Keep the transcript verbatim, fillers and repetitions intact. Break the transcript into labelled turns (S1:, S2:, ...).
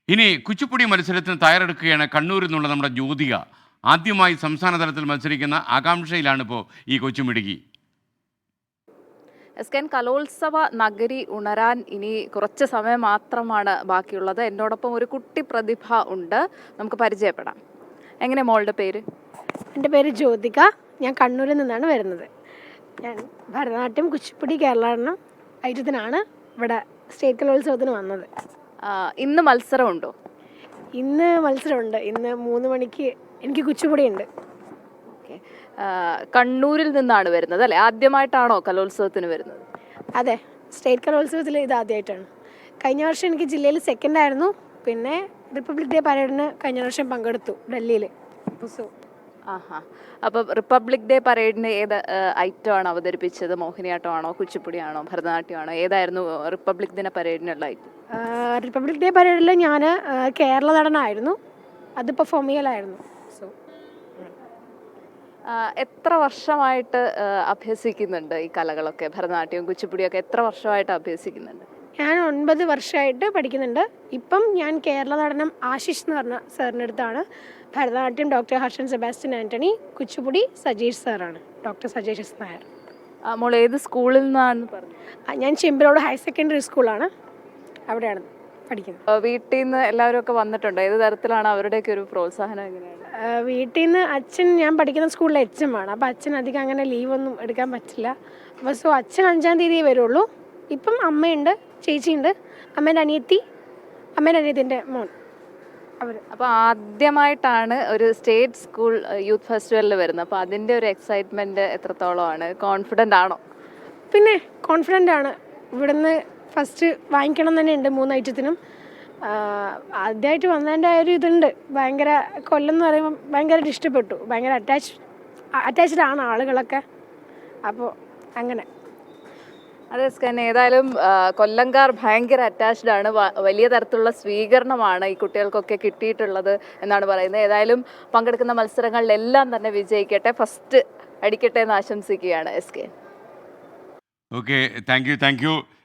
S1: ഇനി കുച്ചിപ്പുടി മത്സരത്തിന് തയ്യാറെടുക്കുകയാണ് കണ്ണൂരിൽ നിന്നുള്ള നമ്മുടെ ജ്യോതിക. ആദ്യമായി സംസ്ഥാന തലത്തിൽ മത്സരിക്കുന്ന ആകാംക്ഷയിലാണ് ഇപ്പോൾ ഈ കൊച്ചുമിടുക്കി.
S2: എസ് കെ എൻ കലോത്സവ നഗരി ഉണരാൻ ഇനി കുറച്ച് സമയം മാത്രമാണ് ബാക്കിയുള്ളത്. എന്നോടൊപ്പം ഒരു കുട്ടി പ്രതിഭ ഉണ്ട്, നമുക്ക് പരിചയപ്പെടാം. എങ്ങനെ മോളുടെ പേര്?
S3: എൻ്റെ പേര് ജ്യോതിക. ഞാൻ കണ്ണൂരിൽ നിന്നാണ് വരുന്നത്. ഞാൻ ഭരതനാട്യം, കുച്ചിപ്പുടി, കേരളാടനം ഐറ്റത്തിനാണ് ഇവിടെ സ്റ്റേറ്റ് കലോത്സവത്തിന് വന്നത്.
S2: ആ, ഇന്ന് മത്സരമുണ്ടോ?
S3: ഇന്ന് മത്സരമുണ്ട്. ഇന്ന് മൂന്ന് മണിക്ക് എനിക്ക് കുച്ചിപ്പുടി ഉണ്ട്.
S2: ഓക്കെ. കണ്ണൂരിൽ നിന്നാണ് വരുന്നത് അല്ലേ? ആദ്യമായിട്ടാണോ കലോത്സവത്തിന് വരുന്നത്?
S3: അതെ, സ്റ്റേറ്റ് കലോത്സവത്തിൽ ഇത് ആദ്യമായിട്ടാണ്. കഴിഞ്ഞ വർഷം എനിക്ക് ജില്ലയിൽ സെക്കൻഡ് ആയിരുന്നു. പിന്നെ റിപ്പബ്ലിക് ഡേ പരേഡിന് കഴിഞ്ഞ വർഷം പങ്കെടുത്തു ഡൽഹിയിൽ. സോ
S2: ആഹാ. അപ്പോൾ റിപ്പബ്ലിക് ഡേ പരേഡിന് ഏത് ഐറ്റമാണ് അവതരിപ്പിച്ചത്? മോഹിനിയാട്ടമാണോ, കുച്ചിപ്പുടിയാണോ, ഭരതനാട്യമാണോ? ഏതായിരുന്നു റിപ്പബ്ലിക് ദിന പരേഡിനുള്ള ഐറ്റം?
S3: റിപ്പബ്ലിക് ഡേ പരേഡിൽ ഞാൻ കേരള നടനായിരുന്നു. അത് പെർഫോം ചെയ്യലായിരുന്നു. സോ
S2: എത്ര വർഷമായിട്ട് അഭ്യസിക്കുന്നുണ്ട് ഈ കലകളൊക്കെ? ഭരതനാട്യവും കുച്ചിപ്പുടിയൊക്കെ എത്ര വർഷമായിട്ട് അഭ്യസിക്കുന്നുണ്ട്?
S3: ഞാൻ ഒൻപത് വർഷമായിട്ട് പഠിക്കുന്നുണ്ട്. ഇപ്പം ഞാൻ കേരള നടനം ആശിഷ് എന്ന് പറഞ്ഞ സാറിൻ്റെ അടുത്താണ്. ഭരതനാട്യം ഡോക്ടർ ഹർഷൻ സെബാസ്റ്റ്യൻ ആൻ്റണി, കുച്ചിപ്പുടി സജീഷ് സാറാണ്, ഡോക്ടർ സജീഷ് എസ് നായർ.
S2: മോൾ ഏത് സ്കൂളിൽ നിന്നാണെന്ന് പറഞ്ഞു?
S3: ഞാൻ ചെമ്പിലോട് ഹയർ സെക്കൻഡറി സ്കൂളാണ്, അവിടെയാണ് പഠിക്കുന്നത്.
S2: വീട്ടിൽ നിന്ന് എല്ലാവരും ഒക്കെ വന്നിട്ടുണ്ടോ? ഏത് തരത്തിലാണ് അവരുടെയൊക്കെ ഒരു പ്രോത്സാഹനം എങ്ങനെയാണ്?
S3: വീട്ടിൽ നിന്ന് അച്ഛൻ, ഞാൻ പഠിക്കുന്ന സ്കൂളിലെ എച്ച് എം ആണ്. അപ്പോൾ അച്ഛൻ അധികം അങ്ങനെ ലീവൊന്നും എടുക്കാൻ പറ്റില്ല. അപ്പോൾ സോ അച്ഛൻ അഞ്ചാം തീയതി വരുള്ളൂ. ഇപ്പം അമ്മയുണ്ട്, ചേച്ചിയുണ്ട്, അമ്മേൻ്റെ അനിയത്തി, അമ്മേൻ്റെ അനിയത്തിൻ്റെ മോൻ അവർ.
S2: അപ്പോൾ ആദ്യമായിട്ടാണ് ഒരു സ്റ്റേറ്റ് സ്കൂൾ യൂത്ത് ഫെസ്റ്റിവലിൽ വരുന്നത്. അപ്പോൾ അതിൻ്റെ ഒരു എക്സൈറ്റ്മെൻറ്റ് എത്രത്തോളമാണ്? കോൺഫിഡൻ്റ് ആണോ?
S3: പിന്നെ കോൺഫിഡൻ്റ് ആണ്. ഇവിടുന്ന് ഫസ്റ്റ് വാങ്ങിക്കണം തന്നെ ഉണ്ട് മൂന്ന് ഐറ്റത്തിനും. ആദ്യമായിട്ട് വന്നതിൻ്റെ ആ ഒരു ഇതുണ്ട്. ഭയങ്കര കൊല്ലം എന്ന് പറയുമ്പോൾ ഭയങ്കരമായിട്ട് ഇഷ്ടപ്പെട്ടു. ഭയങ്കര അറ്റാച്ച് അറ്റാച്ച്ഡ് ആണ് ആളുകളൊക്കെ. അപ്പോൾ അങ്ങനെ.
S2: അതെ സ്കാൻ, ഏതായാലും കൊല്ലംകാർ ഭയങ്കര അറ്റാച്ച്ഡ് ആണ്. വലിയ തരത്തിലുള്ള സ്വീകരണമാണ് ഈ കുട്ടികൾക്കൊക്കെ കിട്ടിയിട്ടുള്ളത് എന്നാണ് പറയുന്നത്. ഏതായാലും പങ്കെടുക്കുന്ന മത്സരങ്ങളിലെല്ലാം തന്നെ വിജയിക്കട്ടെ, ഫസ്റ്റ് അടിക്കട്ടെ എന്ന് ആശംസിക്കുകയാണ് S K.
S1: Okay, thank you thank U